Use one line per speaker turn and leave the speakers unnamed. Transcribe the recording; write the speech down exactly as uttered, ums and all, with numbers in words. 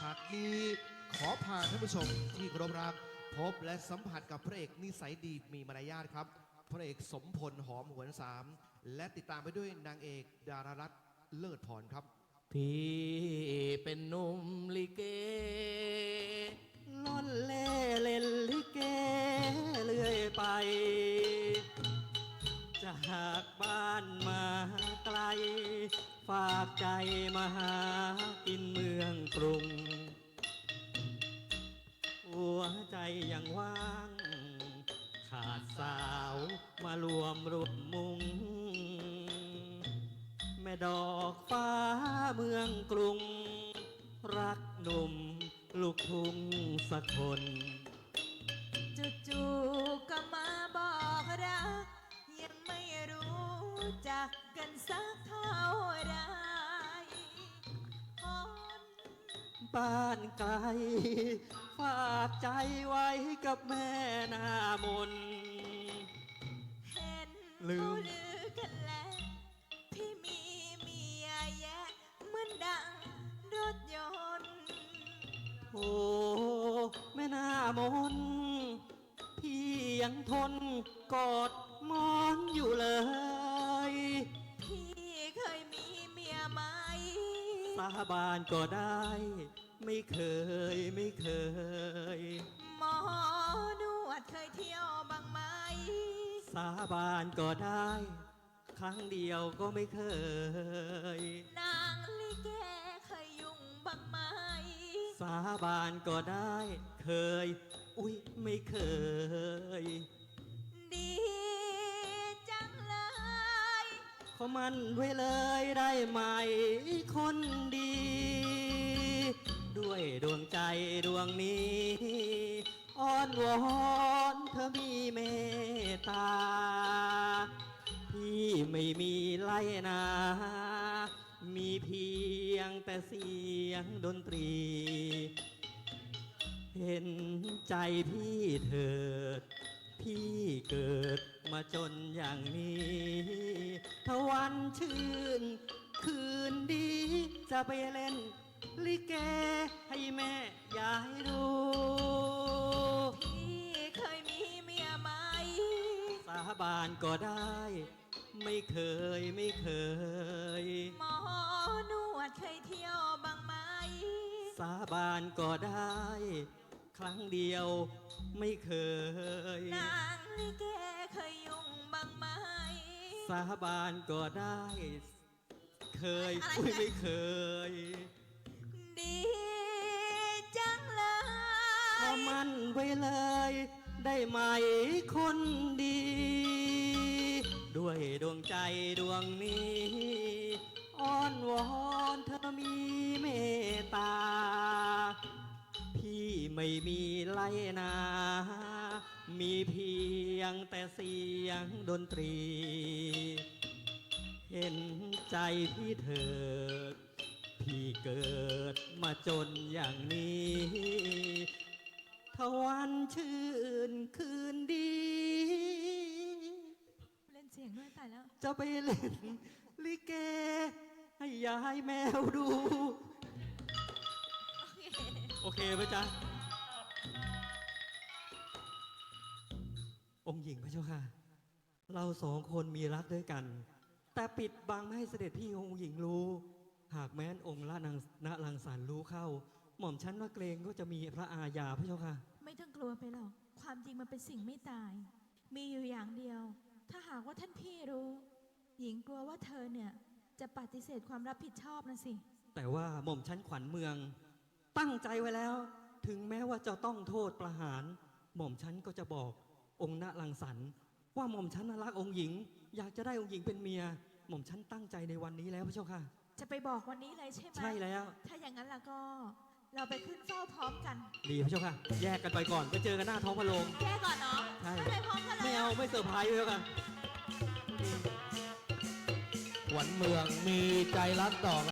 ากนี้ขอพาท่านผู้ชมที่เคารพรักพบและสัมผัสกับพระเอกนิสัยดีมีมารยาทครับพระเอกสมพลหอมหวนสามและติดตามไปด้วยนางเอกดารารัตน์เลิศพรครับ
พี่เป็นหนุ่มลิเกล่อนเล่เล่นลิเกเรื่อยไปจากบ้านมาไกลฝากใจมาหากินเมืองกรุงหัวใจยังว่างขาดสาวมารวมรุมมุงแม่ดอกฟ้าเมืองกรุงรักหนุ่มลูกทุ่งสักคน
จู่ๆก็มาบอกรักยังไม่รู้จักกันสักเท่าไรคน
บ้านไกลฝากใจไว้กับแม่หน้ามน
เห็น
ลืม
เขาลือกันแล้วพี่มีเมียแยะเหมือนดังรถยนต์
โอ้แม่หน้ามนพี่ยังทนกอดมอนอยู่เลย
พี่เคยมีเมียไหม
สาบานก็ได้ไม่เคยไม่เคย
หมอนวดเคยเที่ยวบ้างไหม
สาบานก็ได้ครั้งเดียวก็ไม่เคย
นางลิเกเคยยุ่งบ้างไหม
สาบานก็ได้เคยอุ๊ยไม่เคย
ดีจังเลย
ขอมันไว้เลยได้ไหมคนดี ด้วยดวงใจดวงนี้อ้อนวอนเธอมีเมตตาพี่ไม่มีไล่นา มีเพียงแต่เสียงดนตรี เห็นใจพี่เถิดพี่เกิดมาจนอย่างนี้ถ้าวันชื่นคืนดีจะไปเล่นลิเกให้แม่ยายดู
พี่เคยมีเมียไหม
สาบานก็ได้ไม่เคยไม่เคย
หมอนวดเคยเที่ยวบ้างไหม
สาบานก็ได้ครั้งเดียวไม่เคย
นางลิเกเคยยุ่งบ้างไหม
สาบานก็ได้เคยอุ้ยไม่เคย
ดีจังเลย
ขอมันไว้เลยได้ไหมคนดี ด้วยดวงใจดวงนี้อ้อนวอนเธอมีเมตตาพี่ไม่มีไล่นา มีเพียงแต่เสียงดนตรี เห็นใจพี่เถิดพี่เกิดมาจนอย่างนี้ถ้าวันชื่นคืนดี
เล่นเสียงด้วยตายแล้ว
จะไปเล่นลิเกให้ยายแมวดู โอเคไหมจ๊ะองค์หญิงพระเจ้าค่ะเราสองคนมีรักด้วยกันแต่ปิดบังไม่ให้เสด็จพี่องค์หญิงรู้หากแม้นองค์ละนางณลังสรรค์รู้เข้าหม่อมฉันว่าเกรงก็จะมีพระอาญาพระเจ้าค่ะ
ไม่ต้องกลัวไปหรอกความจริงมันเป็นสิ่งไม่ตายมีอยู่อย่างเดียวถ้าหากว่าท่านพี่รู้หญิงกลัวว่าเธอเนี่ยจะปฏิเสธความรับผิดชอบนะสิ
แต่ว่าหม่อมฉันขวัญเมืองตั้งใจไว้แล้วถึงแม้ว่าจะต้องโทษประหารหม่อมฉันก็จะบอกองค์ณลังสรรค์ว่าหม่อมฉันรักองค์หญิงอยากจะได้องค์หญิงเป็นเมียหม่อมฉันตั้งใจในวันนี้แล้วพระเจ้าค่ะ
จะไปบอกวันนี้เลยใช่ไหม
ใช่แล้ว
ถ้าอย่างนั้นแล้วก็เราไปขึ้นเฝ้าพร้อมกัน
ดีพระเจ้าค่ะแยกกันไปก่อนไปเจอกันหน้าท้องพระโรง
แยกก่อนเนาะ
ใช่
ไปพร้อมกันเลย
ไม่เอาไม่เซอร์ไพรส์เลยค่ะ
ขวัญเมืองมีใจรักต่อ